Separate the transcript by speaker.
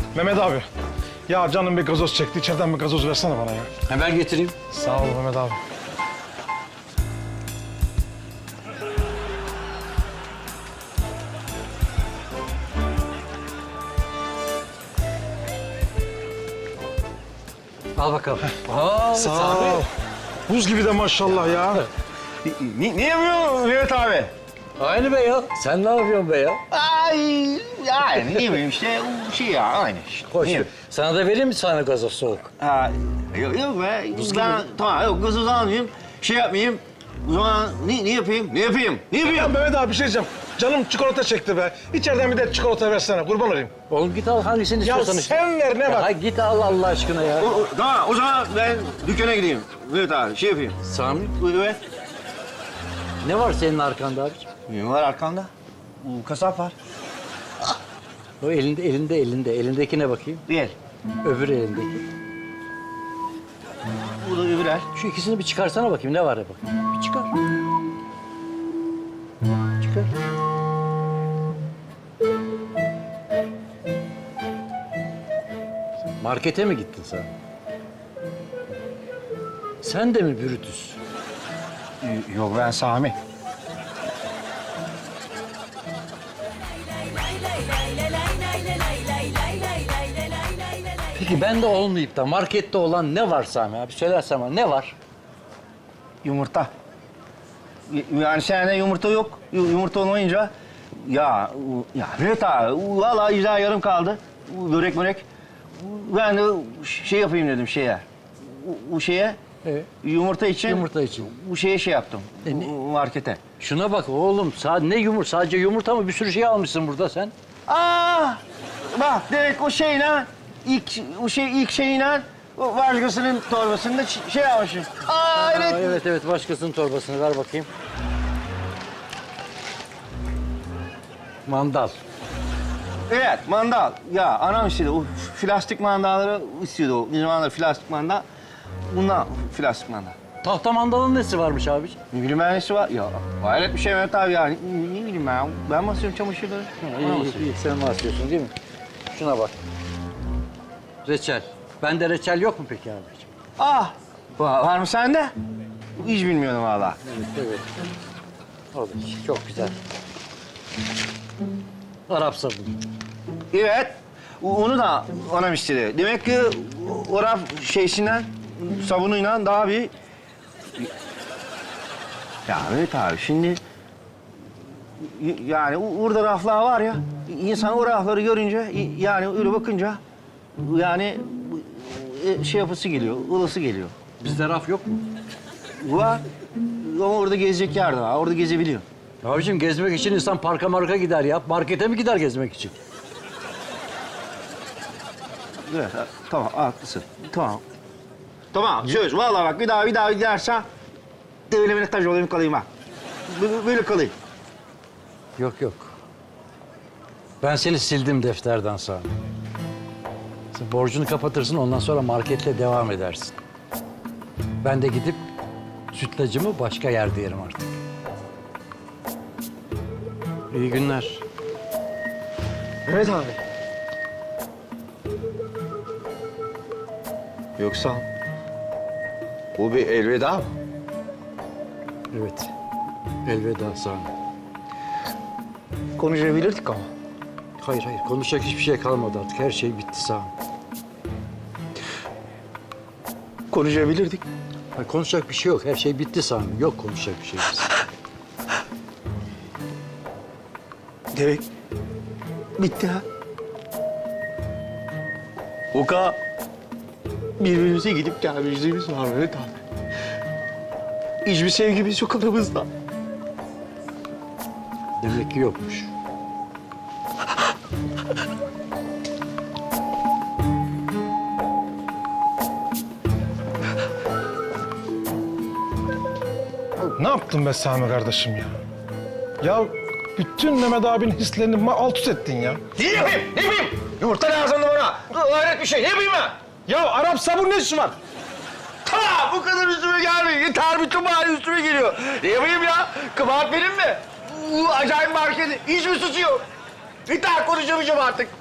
Speaker 1: Mehmet abi. Ya canım bir gazoz çekti. İçeriden bir gazoz versene bana ya.
Speaker 2: Hemen getireyim.
Speaker 1: Sağ ol Mehmet abi.
Speaker 2: Al bakalım. Aa,
Speaker 1: Sağ ol. Buz gibi de maşallah ya.
Speaker 3: Ne yapıyorsun Mehmet abi?
Speaker 2: Aynı be ya. Sen ne yapıyorsun be ya?
Speaker 3: Ay, yani ne bileyim işte şey ya aynı işte.
Speaker 2: Hoş.
Speaker 3: Ne?
Speaker 2: Sana da vereyim mi sana gazoz soğuk?
Speaker 3: Ha, yok be. Ben tamam yok gazoz almayayım. Şey yapmayayım. O zaman ne yapayım? Ne yapayım? Ne
Speaker 1: Ya
Speaker 3: yapayım?
Speaker 1: Mehmet abi bir şey diyeceğim. Canım çikolata çekti be. İçeriden bir de çikolata versene. Kurban olayım.
Speaker 2: Oğlum git al hangisini
Speaker 1: Ya
Speaker 2: istiyorsan.
Speaker 1: sen ver ne
Speaker 2: Ya
Speaker 1: var?
Speaker 2: git al Allah aşkına ya.
Speaker 3: Tamam o zaman ben dükkana gideyim. Mehmet abi şey yapayım.
Speaker 2: Sami,
Speaker 3: Evet.
Speaker 2: ne var senin arkanda abiciğim?
Speaker 3: Ne var arkamda? Kasap var.
Speaker 2: O elinde. Elindekine bakayım.
Speaker 3: Bir.
Speaker 2: Öbür elindeki.
Speaker 3: Bu da öbür el.
Speaker 2: Şu ikisini bir çıkarsana bakayım ne var ya bakayım. Bir çıkar. Çıkar. Markete mi gittin sen? Sen de mi Brutus?
Speaker 3: Yok ben Sami.
Speaker 2: Peki bende olmayıp da markette olan ne var Sami abi? Söylersen bana ne var?
Speaker 3: Yumurta. Yani sende yumurta yok. Yumurta olmayınca ya Mehmet abi vallahi güzel yarım kaldı. Börek. Ben de şey yapayım dedim şeye. Bu şeye
Speaker 2: Evet.
Speaker 3: yumurta için.
Speaker 2: Yumurta için.
Speaker 3: Bu şeye şey yaptım.
Speaker 2: Ne?
Speaker 3: Markete.
Speaker 2: Şuna bak oğlum. Ne yumurta? Sadece yumurta mı? Bir sürü şey almışsın burada sen.
Speaker 3: Aa! Bak demek o şeyle ilk şeyle o başkasının torbasında şey almışım. Aa evet.
Speaker 2: Evet. Başkasının torbasını ver bakayım. Mandal.
Speaker 3: Evet, mandal. Ya anam istedi. O plastik mandalları istiyordu o. Bir zamanlar plastik mandal. Bundan plastik mandal.
Speaker 2: Tahta mandalın nesi varmış abiciğim?
Speaker 3: Ne bileyim ben nesi var? Ya hayret bir şey Mehmet abi ya. Ne bileyim ben. Ben basıyorum çamaşırları.
Speaker 2: İyi, sen bahsediyorsun değil mi? Şuna bak. Reçel. Bende reçel yok mu peki abiciğim?
Speaker 3: Ah! Var mı sende? Hiç bilmiyorum valla.
Speaker 2: Evet. O da çok güzel. Arap sabunu.
Speaker 3: Evet. Onu da anam istedi. Demek ki o raf şeysinden, sabunuyla daha bir... Ya Mehmet abi şimdi... Yani orada raflar var ya, insan o rafları görünce, yani öyle bakınca... Yani şey yapısı geliyor, ılısı geliyor.
Speaker 2: Bizde raf yok mu?
Speaker 3: Var. Ama orada gezecek yer de var, orada gezebiliyor.
Speaker 2: Abiciğim gezmek için insan parka marka gider ya. Markete mi gider gezmek için?
Speaker 3: Evet, tamam, haklısın. Tamam. Tamam, söz. Vallahi bak bir daha gidersen... ...devlemine taş olayım kalayım ha. Böyle kalayım.
Speaker 2: Yok. Ben seni sildim defterden sonra. Sen borcunu kapatırsın ondan sonra marketle devam edersin. Ben de gidip sütlacımı başka yerde yerim artık. İyi günler.
Speaker 3: Evet abi. Yoksa bu bir elveda mı?
Speaker 2: Evet. Elveda Sami.
Speaker 3: Konuşabilirdik ama.
Speaker 2: Hayır. Konuşacak hiçbir şey kalmadı artık. Her şey bitti Sami.
Speaker 3: Konuşabilirdik.
Speaker 2: Hayır, konuşacak bir şey yok. Her şey bitti Sami. Yok konuşacak bir şey.
Speaker 3: Demek bitti ha. O kadar birbirimize gidip gelmişliğimiz var Mehmet abi. Hiçbir sevgimiz yok aramızda.
Speaker 2: Demek ki yokmuş.
Speaker 1: Ne yaptın be Sami kardeşim ya? Ya bütün Mehmet abinin hislerini alt üst ettin ya.
Speaker 3: Ne yapayım? Ne yapayım? Yumurta lazımdı bana. Hayret bir şey. Ne yapayım ben?
Speaker 1: Ya Arap sabun ne işi var?
Speaker 3: Ta bu kadar üstüme gelmiyor. Yeter bütün mahalle üstüme geliyor. Ne yapayım ya? Kabahat benim mi? Bu acayip marketin hiçbir suçu yok. Yeter konuşamayacağım artık.